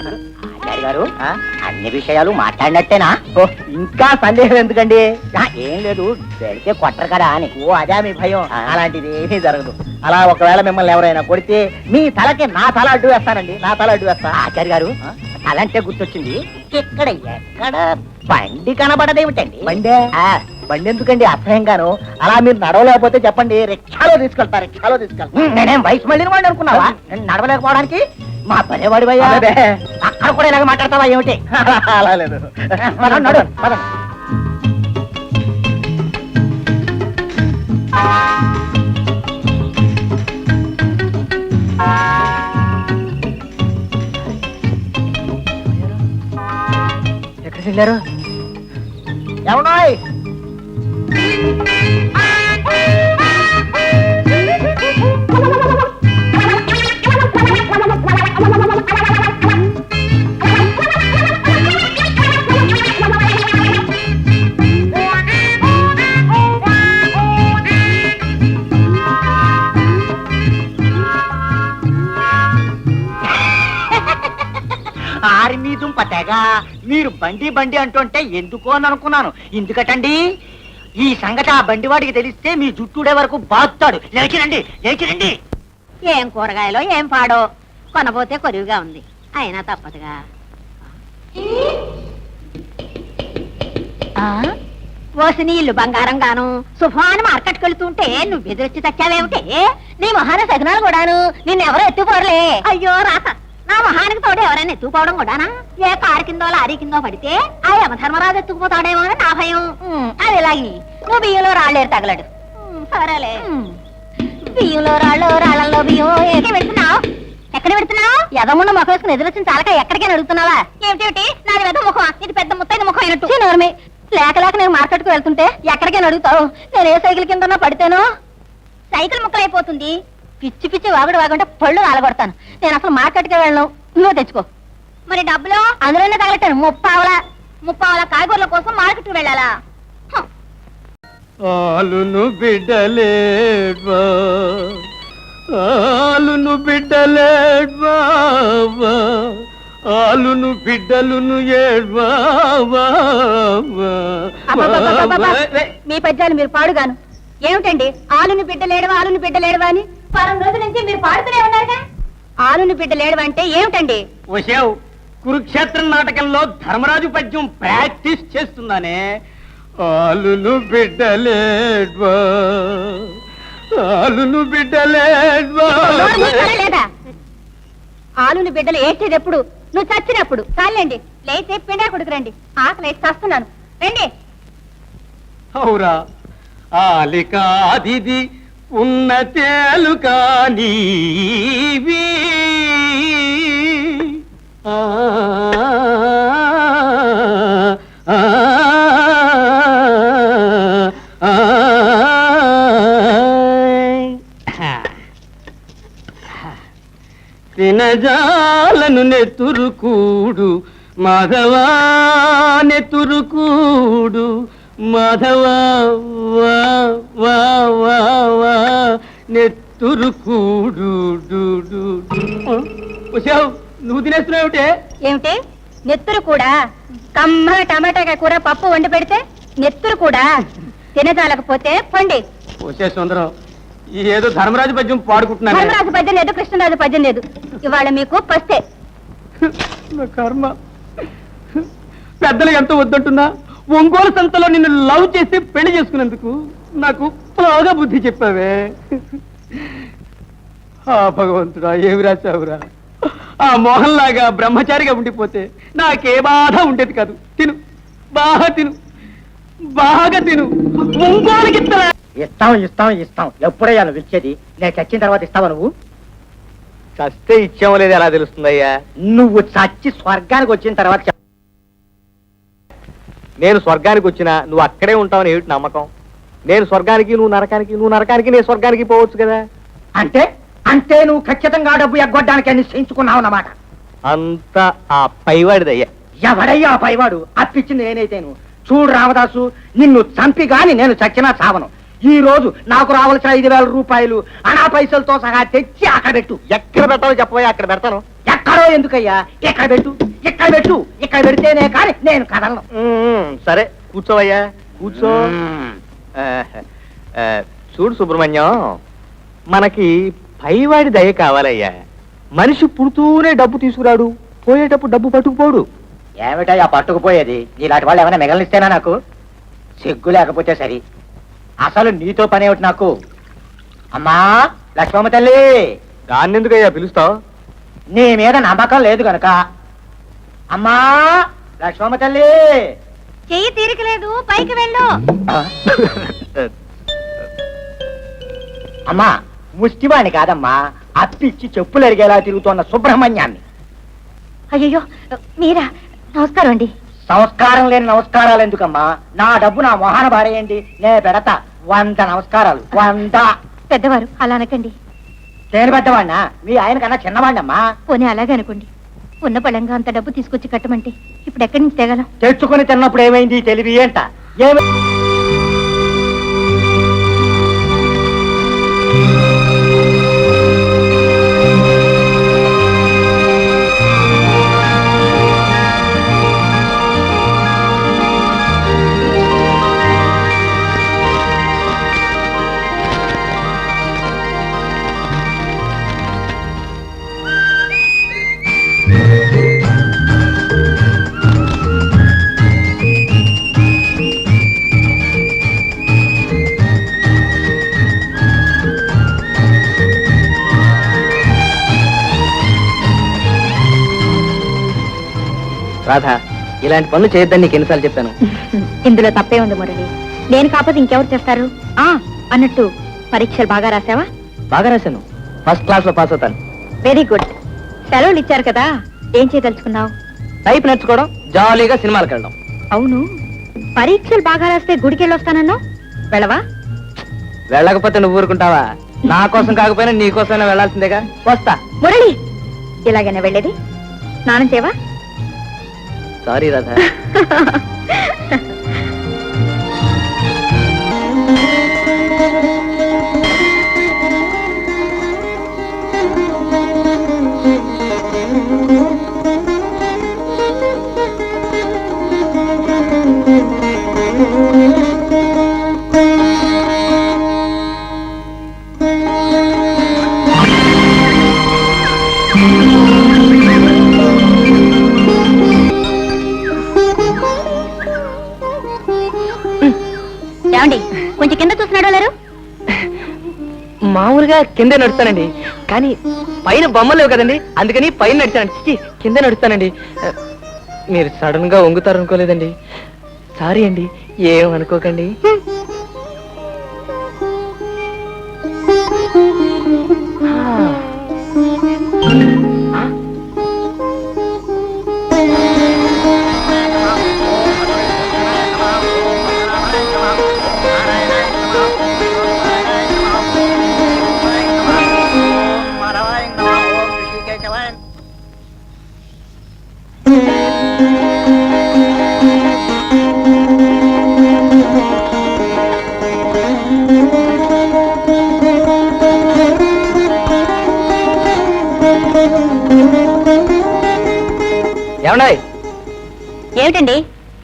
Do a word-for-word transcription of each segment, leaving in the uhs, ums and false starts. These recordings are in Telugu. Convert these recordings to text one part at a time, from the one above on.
ఆచార్య గారు అన్ని విషయాలు మాట్లాడినట్టేనా? ఓ ఇంకా సందేహం ఎందుకండి? ఏం లేదు, పెడితే కొట్టరు కదా అని. ఓ అదే మీ భయం? అలాంటిది ఏమీ జరగదు. అలా ఒకవేళ మిమ్మల్ని ఎవరైనా కొడితే మీ తలకి నా తల అడ్డు వేస్తానండి, నా తల అడ్డు వేస్తా. ఆచార్య గారు అలాంటే గుర్తొచ్చింది, ఇక్కడ ఎక్కడ బండి కనబడదేమిటండి? బండే బండి ఎందుకండి అసహ్యంగాను? అలా మీరు నడవలేకపోతే చెప్పండి, రిక్షాలో తీసుకెళ్తా, రిక్షాలో తీసుకెళ్తా. నేనేం వయసు మళ్ళీ వాడిని అనుకున్నావా నడవలేకపోవడానికి? మా పదేవాడి భయ్యా, అక్కడ కూడా ఇలాగ మాట్లాడతావా ఏమిటి? అలా లేదు, నడు పద. ఎక్కడికి వెళ్ళారు? ఎవడాయ్? ఆర్మీ దుంప తెగ, మీరు బండి బండి అంటుంటే ఎందుకో అని అనుకున్నాను. ఎందుకటండి, ఈ సంగతి ఆ బండి వాడికి తెలిస్తే మీ జుట్టుడే వరకు బాగుతాడు. లేచిరండి, లేచిరండి. ఏం కూరగాయలో ఏం పాడో, కొనబోతే కొరివిగా ఉంది, అయినా తప్పదుగా. ఓసి నీ ఇల్లు బంగారం గాను సుఫాను మార్కెట్కి వెళ్తుంటే నువ్వు ఎదురొచ్చి తెచ్చావేమిటి? నీ మొహాన సగనాలు కూడాను నిన్నెవరో ఎత్తుకోరలే. అయ్యో రాక, నా మొహానికి తోడు ఎవరైనా ఎత్తుకుపోవడం కూడానా? ఏ కారు కిందో లారీ కిందో పడితే ఆ యమధర్మరాజు ఎత్తుకుపోతాడేమో అని నా భయం. అది ఇలాగి నువ్వు బియ్యంలో రాళ్ళేరు తగలడు. సరేలే, బియ్యంలో రాళ్ళు రాళ్ళల్లో బియ్యం ఏకే పెడుతున్నావు? ఎక్కడ పెడుతున్నావు? ఎదమున్న ముఖం వేసుకుని ఎదురొచ్చిన చాలక ఎక్కడికైనా అడుగుతున్నావా? ఏమిటి నాది వెద ముఖం, ఇది పెద్ద ముత్తైన ముఖం అయినట్టు. నోర్మి, లేక లేక నేను మార్కెట్కు వెళ్తుంటే ఎక్కడికైనా అడుగుతావు? నేను ఏ సైకిల్ కింద పడితేనో సైకిల్ ముక్కలైపోతుంది. పిచ్చి పిచ్చి వాగుడు వాగుంటే పళ్ళు రాలగొడతాను. నేను అసలు మార్కెట్కి వెళ్ళను, నువ్వు తెచ్చుకో. మరి డబ్బులు అందులోనే తగలెట్టాను. ముప్పావల ముప్పావల కాయగూరల కోసం మార్కెట్కి వెళ్ళాలా? ఆలును బిడ్డలేడ్వా, ఆలును బిడ్డలేడ్వా, ఆలును బిడ్డలును ఏడ్వా. మీ పద్యాలు మీరు పాడుగాను. ఏమిటండి ఆలుని బిడ్డలేడవా, ఆలుని బిడ్డలేడవా అని వారం రోజుల నుంచి మీరు పాడుతూనే ఉన్నారుగా. ఆలుని బిడ్డలేడవా అంటే ఏమిటండి? వశావు, కురుక్షేత్రం నాటకంలో ధర్మరాజు పద్యం ప్రాక్టీస్ చేస్తున్నానే. ఆలును బిడ్డలేడ్వా, ఆలును బిడ్డలేడ్వా. లేదా ఆలుని బిడ్డలు ఏడ్చేది ఎప్పుడు? నువ్వు చచ్చినప్పుడు. చాలండి, లేతే పిండా కొడుకురండి, ఆకలి వేసి చస్తున్నాను. రండి. అవురా, ఆలికాదిది ఉన్న తేలు కానీవి, తినజాలను నెతురుకూడు మాధవా, నెతురుకూడు మాధవా, వా వా వా వా నెతురుకూడు. వచ్చావు, నువ్వు తినేస్తున్నావుటే? ఏమిటి నెత్తురు కూడా? కమ్మ టమాటా కూర పప్పు వండి పెడితే నెత్తురు కూడా తినజాలకపోతే పండి. వచ్చే సుందరం, ఏదో ధర్మరాజు పద్యం పాడుకుంటున్నా. ధర్మరాజు పద్యం లేదు, కృష్ణరాజు పద్యం లేదు. ఇవాళ మీకు పస్తే. నా కర్మ, పెద్దలు ఎంతో వద్దంటున్నా ఒంగోలు సంతలో నిన్ను లవ్ చేసి పెళ్లి చేసుకున్నందుకు నాకు బాగా బుద్ధి చెప్పావే. ఆ భగవంతుడా, ఏమి రాశావురా? ఆ మోహన్ లాగా బ్రహ్మచారిగా ఉండిపోతే నాకే బాధ ఉండేది కాదు. తిను, బాగా తిను, బాగా తిను. ఒంగోలుకి ఇస్తాం ఇస్తాం ఇస్తాం. ఎప్పుడయ్యా నువ్వు ఇచ్చేది? నేను చచ్చిన తర్వాత ఇస్తావా నువ్వు? చస్తే ఇచ్చామో లేదు ఎలా తెలుస్తుందయ్యా? నువ్వు చచ్చి స్వర్గానికి వచ్చిన తర్వాత. నేను స్వర్గానికి వచ్చినా నువ్వు అక్కడే ఉంటావని ఏమిటి నమ్మకం? నేను స్వర్గానికి, నువ్వు నరకానికి, నువ్వు నరకానికి, నేను స్వర్గానికి పోవచ్చు కదా. అంటే అంటే నువ్వు ఖచ్చితంగా డబ్బు ఎగ్గొట్టడానికి నిశ్చయించుకున్నావు అన్నమాట. అంత ఆ పైవాడిదయ్యా. ఎవడయ్యా ఆ పైవాడు? అప్పిచ్చింది నేనైతేను. చూడు రామదాసు, నిన్ను చంపి గాని నేను చచ్చినా చావను. ఈ రోజు నాకు రావాల్సిన ఐదు వేల రూపాయలు అనా పైసలతో సహా తెచ్చి అక్కడ పెట్టు. ఎక్కడ పెట్టాలో చెప్పబోయా, అక్కడ పెడతాను. ఎక్కడో ఎందుకయ్యా? ఎక్కడ పెట్టు, ఎక్కడ పెట్టు, ఇక్కడ పెడితేనే కానీ నేను కదలను. సరే కూర్చోవయ్యా, కూర్చో. ఆ, ఆ, చూడు సుబ్రహ్మణ్యం, మనకి పైవాడి దయ కావాలయ్యా. మనిషి పుడుతూనే డబ్బు తీసుకురాడు, పోయేటప్పుడు డబ్బు పట్టుకుపోడు. ఏమిటయ్యా పట్టుకుపోయేది? ఇలాంటి వాళ్ళు ఏమైనా మిగలనిస్తేనా నాకు? సిగ్గు లేకపోతే సరి. అసలు నీతో పని ఏమిటి నాకు? అమ్మా లక్ష్మమ్మ తల్లి, దాన్ని ఎందుకయ్యా పిలుస్తావు? నీ మీద నమ్మకం లేదు గనక. అమ్మా లక్ష్మమ్మ తల్లి. చెయ్యి తీరికలేదు, పైకి వెళ్ళు. ఆ? అమ్మా ముష్టివాణి కాదమ్మా, అప్పిచ్చి చెప్పులు అరిగేలా తిరుగుతున్న సుబ్రహ్మణ్యాన్ని. అయ్యో మీరా? నమస్కారం అండి. సంస్కారం లేని నమస్కారాలు ఎందుకమ్మా? నా డబ్బు నా మొహాన బారేయండి, నే పెడతా వంద నమస్కారాలు, వంద. పెద్దవారు అలా అనకండి. నేను పెద్దవాడినా? మీ ఆయన కన్నా చిన్నవాడినమ్మా. పోనీ అలాగే అనుకోండి. ఉన్న పళంగా అంత డబ్బు తీసుకొచ్చి కట్టమంటే ఇప్పుడు ఎక్కడి నుంచి తేగలం? తెచ్చుకుని తిన్నప్పుడు ఏమైంది తెలివి ఏంట? ఏమి రాధ, ఇలాంటి పనులు చేయొద్దని నీకు ఎన్నిసార్లు చెప్పాను? ఇందులో తప్పే ఉంది మురళి. నేను కాకపోతే ఇంకెవరు చేస్తారు? ఆ అన్నట్టు పరీక్షలు బాగా రాసావా? బాగా రాశాను, ఫస్ట్ క్లాస్ లో పాస్ అవుతాను. Very good. సెలవులు ఇచ్చారు కదా, ఏం చేయదలుచుకున్నావు? టైప్ నేర్చుకోవడం, జాలీగా సినిమాలకు వెళ్ళడం. అవును, పరీక్షలు బాగా రాస్తే గుడికి వెళ్ళొస్తానన్నావు, వెళ్ళవా? వెళ్ళకపోతే నువ్వు ఊరుకుంటావా? నా కోసం కాకపోయినా నీ కోసమైనా వెళ్ళాల్సిందేగా. వస్తా. మురళి, ఇలాగైనా వెళ్ళేది? స్నానం చేయవా? సారీ రాధా. ఏమండి, కొంచెం కింద చూస్తున్నాడు లేరు? మామూలుగా కింద నడుస్తానండి, కానీ పైన బొమ్మలు లేవు కదండి, అందుకని పైన నడిచానండి. చిచి, కింద నడుస్తానండి. మీరు సడన్ గా వంగుతారు అనుకోలేదండి. సారీ అండి, ఏం అనుకోకండి. ఏమండాయ్? ఏమిటండి?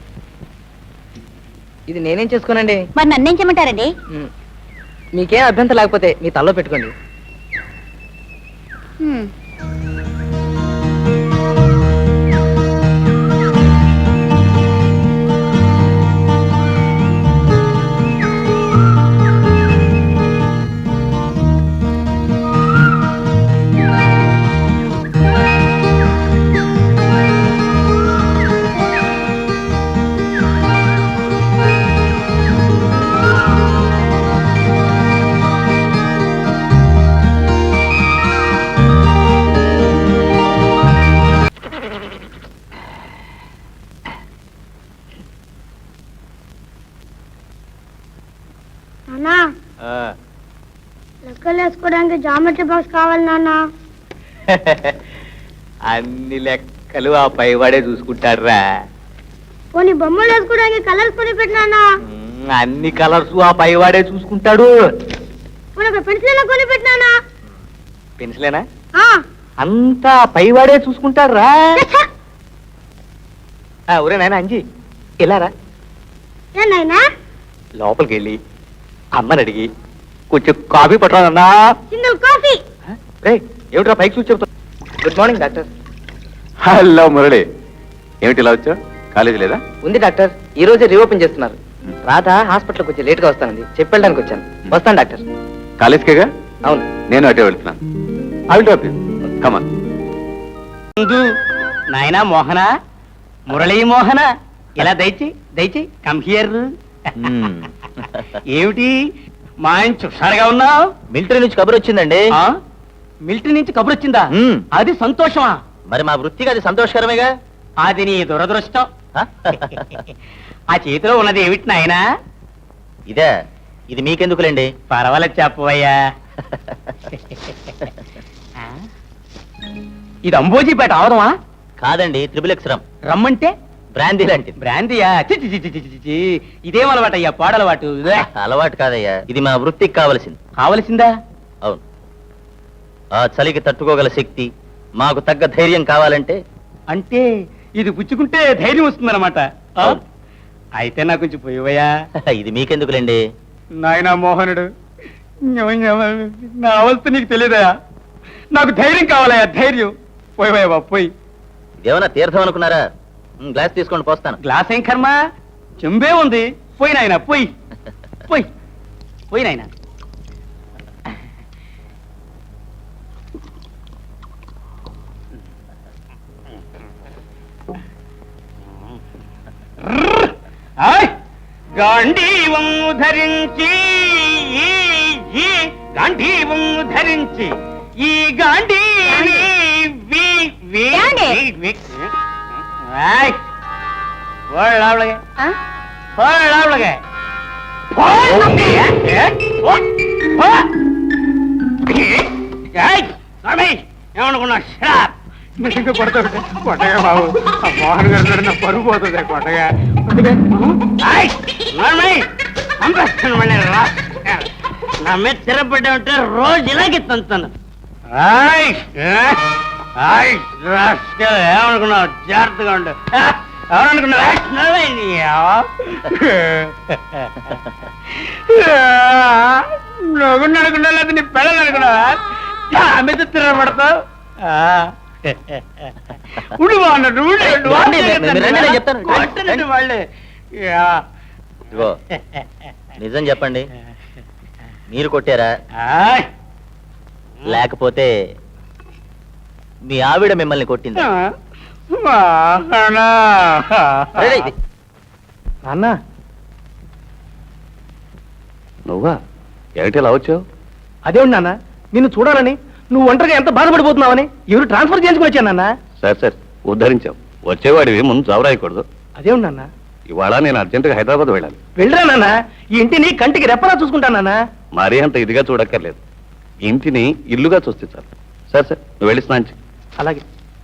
ఇది నేనేం చేసుకోనండి. మరి నన్నేం చేయమంటారండి? మీకేం అభ్యంతరం లేకపోతే మీ తల్లో పెట్టుకోండి. హ్మ్. లెక్కలు వేసుకోవడానికి జామెట్రీ బాక్స్ కావాలి నాన్న. అన్ని లెక్కలు ఆ పైవాడే చూసుకుంటాడు రా. కొన్ని బొమ్మలు వేసుకోవడానికి కలర్స్ కొని పెట్టినా. అన్ని కలర్స్ ఆ పైవాడే చూసుకుంటాడు. పెన్సిల్ కొని పెట్టినా. పెన్సిలేనా? అంతా పైవాడే చూసుకుంటారా ఒరే నాయన అంజి ఇలారా ఏ నాయనా లోపలికి వెళ్ళి అమ్మని అడిగి కొంచెం కాఫీ పట్టరాదన్నా సింగిల్ కాఫీ. రే ఏమిట్రా పైకి చూసి చెప్తా good morning doctor hello Murali, ఏమిటి ఇలా వచ్చావు? కాలేజీ లేదా? ఉంది డాక్టర్ ఈ రోజే రీఓపెన్ చేస్తున్నారు రాధ హాస్పిటల్కి కొంచెం లేట్గా వస్తానండి చెప్పెళ్ళడానికి వచ్చాను వస్తాను డాక్టర్ కాలేజ్కేగా? అవును నేను అటే వెళ్తున్నాను. I will drop you. Come on. నాయనా మోహన, మురళీ మోహన, ఇలా దయచి దయచి కమ్ హియర్. ఏమిటి మా ఆయన చుషారుగా ఉన్నావు? మిలిటరీ నుంచి కబురు వచ్చిందండి. ఆ? మిలిటరీ నుంచి కబురు వచ్చిందా? మ్మ్. అది సంతోషమా? మరి మా వృత్తికి అది సంతోషకరమేగా. అది నీ దురదృష్టం. ఆ? ఆ చేతిలో ఉన్నది ఏమిటి నాయనా? ఇదే, ఇది మీకెందుకులేండి. పర్వాలేదు చెప్పవయ్యా. ఆ? ఇది అంబోజీపేట అవదమా? కాదండి, త్రిబుల్ ఎక్స్రం రమ్మంటే బ్రాందీ లాంటిది. బ్రాంతియా? చి చి చి చి చి చి చి. ఇదేం అలవాటు అయ్యా, పాడలవాటు. ఇదే. అలవాటు కాదయ్యా, ఇది మా వృత్తికి కావలసింది. కావలసిందా? అవును. ఆ చలికి తట్టుకోగల శక్తి, మాకు తగ్గ ధైర్యం కావాలంటే అంటే ఇది పుచ్చుకుంటే ధైర్యం వస్తుందన్నమాట. ఆ? అవును. అయితే నాకు కొంచెం పోయివయ్యా. ఇది మీకెందుకులేండి. నాయనా మోహనుడు, నా అవస్థ నీకు తెలియదయా. నాకు ధైర్యం కావాలయ్యా, ధైర్యం. పోయివయ్యా బాబు, పోయి. ఇదేమన్నా తీర్థం అనుకున్నారా? ఉమ్, గ్లాస్ తీసుకోండి, పోస్తాను. గ్లాస్ ఏం కర్మ, చెంబే ఉంది. పోయి నాయనా, పోయి పోయి పోయి నాయనా. ఆయ్! గాంధీవం ధరించి ఈ గాంధీవం ధరించి ఈ గాంధీ ఏమనుకున్నా కొడతా కొట్టగా బాబు, ఆ మోహన్ గారు నా పరుగు పోతుంది కొట్టగా. నా మీద తిరగబడ్డా ఉంటే రోజు ఇలాగే తంతాను. ఏమనుకున్నావు? జాగ్రత్తగా ఉండు. ఎవరనుకున్నావు? నువ్వు అనుకున్నా లేదా నీ పిల్లలు అనుకున్నావా? నా మీద తిరగబడతావు. ఉండు బాగున్నాడు, రండి, మీరు రండి, నేను చెప్తాను. వాళ్ళే. ఇదిగో, నిజం చెప్పండి, మీరు కొట్టారా ఆయ్! లేకపోతే మీ ఆవిడ మిమ్మల్ని కొట్టింది? వాహనా. నాన్న నువ్వా? ఏమిటి ఇలా వచ్చావు? అదేమిటి నాన్న నిన్ను చూడాలని, నువ్వు ఒంటరిగా ఎంత బాధపడిపోతున్నావని ఎవరు ట్రాన్స్ఫర్ చేసుకుని వచ్చాను నాన్న. సరే సరే, ఉద్ధరించావు. వచ్చేవాడివి ముందు చవరాయకూడదు. అదేమిటి నాన్న? ఇవాళ నేను అర్జెంటుగా హైదరాబాద్ వెళ్ళాలి. వెళ్ళరా నాన్న, ఈ ఇంటిని కంటికి రెప్పలా చూసుకుంటాను నాన్న. మరీ అంత ఇదిగా చూడక్కర్లేదు. ఇంటిని ఇల్లుగా చూస్తే చాలు. సరే సరే, నువ్వు వెళ్ళి స్నానం చెయ్యి. అలాగే.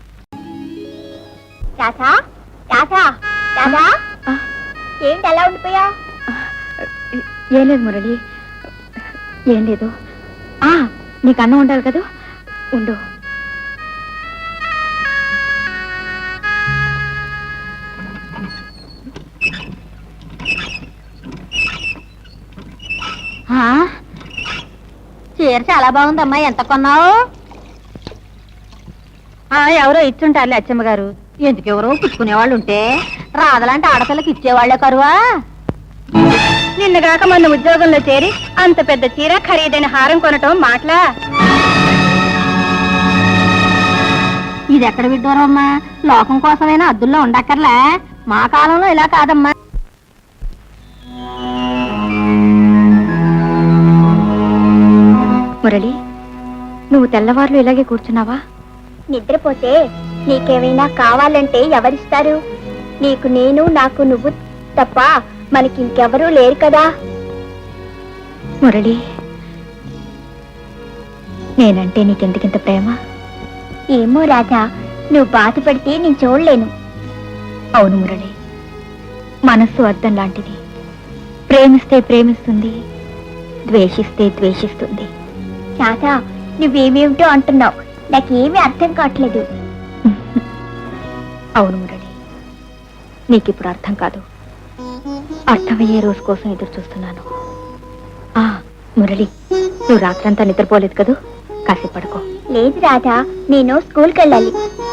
రాధా రాధా రాధా, ఏంటి అలా ఉండిపోయా? ఏం లేదు మురళి, ఏం లేదు. ఆ నీకు అన్నం ఉండాలి కదా, ఉండు. చీర చాలా బాగుందమ్మా, ఎంత కొన్నావు? ఎవరో ఇచ్చుంటారులే అచ్చమ్మ గారు. ఎందుకు ఎవరో పుచ్చుకునేవాళ్ళు ఉంటే రాదలాంటి ఆడపిల్లకి ఇచ్చేవాళ్లే కరువా? నిన్నగాక మొన్న ఉద్యోగంలో చేరి అంత పెద్ద చీర ఖరీదైన హారం కొనటం మాటలా? ఇది ఎక్కడ విడ్డూరం అమ్మా, లోకం కోసమైనా అద్దుల్లో ఉండక్కర్లే. మా కాలంలో ఇలా కాదమ్మా. మురళి, నువ్వు తెల్లవారులు ఇలాగే కూర్చున్నావా? నిద్రపోతే నీకేమైనా కావాలంటే ఎవరిస్తారు? నీకు నేను, నాకు నువ్వు తప్ప మనకి ఇంకెవరూ లేరు కదా. మురళి, నేనంటే నీకెందుకింత ప్రేమ? ఏమో రాధా, నువ్వు బాధపడితే నేను చూడలేను. అవును మురళి, మనస్సు అద్దం లాంటిది. ప్రేమిస్తే ప్రేమిస్తుంది, ద్వేషిస్తే ద్వేషిస్తుంది. రాధా, నువ్వేమేమిటో అంటున్నావు. నాకేమీ అర్థం కావట్లేదు. అవును మురళి, నీకిప్పుడు అర్థం కాదు. అర్థమయ్యే రోజు కోసం ఎదురు చూస్తున్నాను. ఆ మురళి, నువ్వు రాత్రంతా నిద్రపోలేదు కదూ, కాసేపు పడుకో. లేదు రాధా, నేను స్కూల్కి వెళ్ళాలి.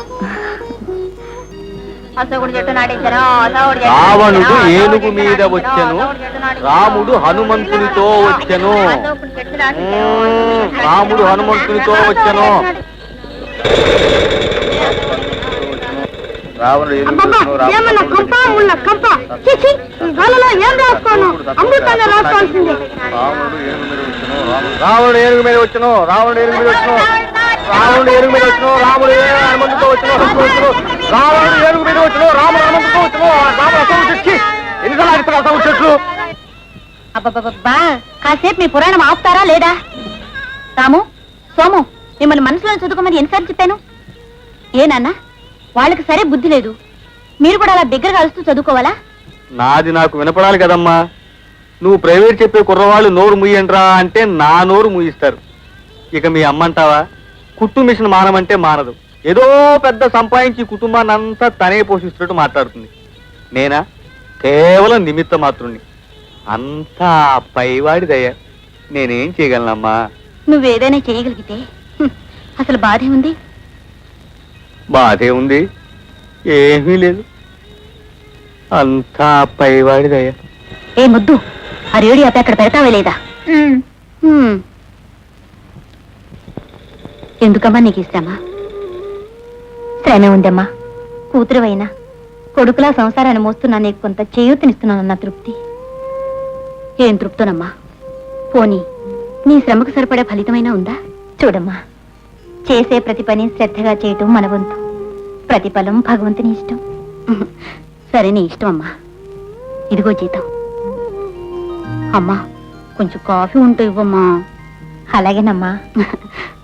రావణుడు ఏనుగు మీద వచ్చెను, రాముడు హనుమంతునితో వచ్చెను. రాముడు హనుమంతునితో వచ్చెను. రావణుడు ఏనుగు మీద వచ్చెను, రావణుడు ఏనుగు మీద వచ్చెను, రాముడు ఏనుగు మీద వచ్చెను, రాముడు హనుమంతుతో వచ్చెను, రావణుడు ఏనుగు మీద వచ్చెను, రాముడు హనుమంతుతో వచ్చెను. రాముడు అసలు తెచ్చి ఎన్నిసార్లు ఆగిస్తారు అసలు చెట్లు. అబ్బబ్బబ్బా, కాసేపు మీ పురాణం ఆపుతారా లేదా? రాము, సోము, మిమ్మల్ని మనసులో చదువుకోమని ఎన్నిసార్లు చెప్పాను? ఏ నాన్న, వాళ్ళకి సరే బుద్ధి లేదు, మీరు కూడా అలా దగ్గర కలుస్తూ చదువుకోవాలా? నాది నాకు వినపడాలి కదమ్మా. నువ్వు ప్రైవేట్ చెప్పే కుర్రవాళ్ళు నోరు ముయ్యండ్రా అంటే నా నోరు ముయిస్తారు. ఇక మీ అమ్మంటావా, కుట్టు మిషన్ మానమంటే మానదు. ఏదో పెద్ద సంపాదించి కుటుంబాన్ని అంతా తనే పోషిస్తున్నట్టు మాట్లాడుతుంది. నేనా కేవలం నిమిత్త మాత్రుణ్ణి. అంతా పైవాడిదయ్యా, నేనేం చేయగలనమ్మా? నువ్వేదైనా చేయగలిగితే హ్మ్, అసలు బాధే ఉంది. బాధే ఉంది, ఏమీ లేదు, అంతా పైవాడిదయ్యా. ఏ ముద్దు, ఆ రేడియో ఆపి అక్కడ పెడతావే లేదా? హ్మ్. ఎందుకమ్మా నీకు ఇస్తామా? శ్రమే ఉందమ్మా. కూతురువైనా కొడుకులా సంసారాన్ని మోస్తున్నా నీకు కొంత చేయూతనిస్తున్నానన్న తృప్తి. ఏం తృప్తోనమ్మా? పోనీ నీ శ్రమకు సరిపడే ఫలితమైనా ఉందా? చూడమ్మా, చేసే ప్రతి పని శ్రద్ధగా చేయటం మన వంతు. ప్రతిఫలం భగవంతుని ఇష్టం. సరే, నీ ఇష్టం అమ్మా. ఇదిగో జీతం. అమ్మా, కొంచెం కాఫీ ఉంటూ ఇవ్వమ్మా. అలాగేనమ్మా.